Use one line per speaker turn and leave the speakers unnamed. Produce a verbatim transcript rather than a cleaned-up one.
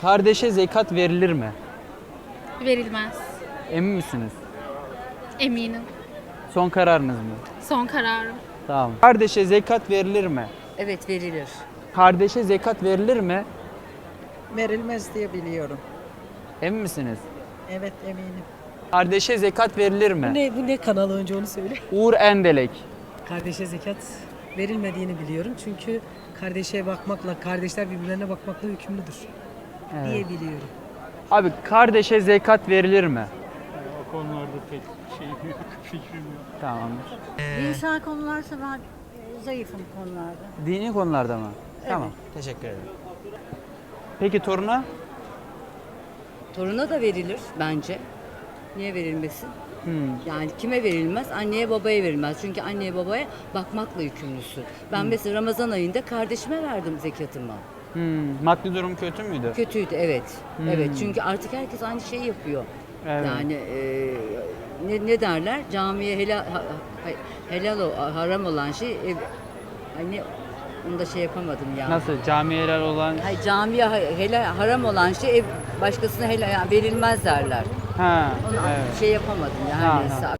Kardeşe zekat verilir mi?
Verilmez.
Emin misiniz?
Eminim.
Son kararınız mı?
Son kararım.
Tamam. Kardeşe zekat verilir mi?
Evet, verilir.
Kardeşe zekat verilir mi?
Verilmez diye biliyorum.
Emin misiniz?
Evet, eminim.
Kardeşe zekat verilir mi?
Ne, bu ne kanal önce onu söyle.
Uğur Endelek.
Kardeşe zekat verilmediğini biliyorum. Çünkü kardeşe bakmakla, kardeşler birbirlerine bakmakla hükümlüdür
Evet.
diye biliyorum.
Abi kardeşe zekat verilir mi?
O konularda pek şey yok, fikrim yok.
Tamamdır.
Dinsel konularsa ben e, zayıfım konularda.
Dini konularda mı? Tamam. Teşekkür ederim. Peki toruna?
Toruna da verilir bence. Niye verilmesin?
Hmm.
Yani kime verilmez? Anneye babaya verilmez. Çünkü anneye babaya bakmakla yükümlüsün. Ben mesela Ramazan ayında kardeşime verdim zekatımı.
Hmm. Maddi durum kötü müydü?
Kötüydü, evet. Evet, çünkü artık herkes aynı şeyi yapıyor.
Evet.
Yani e, ne, ne derler? Camiye helal, ha- ha- helal o- haram olan şey e, hani onu da şey yapamadım ya.
Nasıl? Camiye helal olan...
Hayır, camiye ha- helal, haram olan şey ev başkasına helal yani verilmez derler.
Ha,
Onu
evet.
şey yapamadım ya.
Ha,
Her neyse.
ha.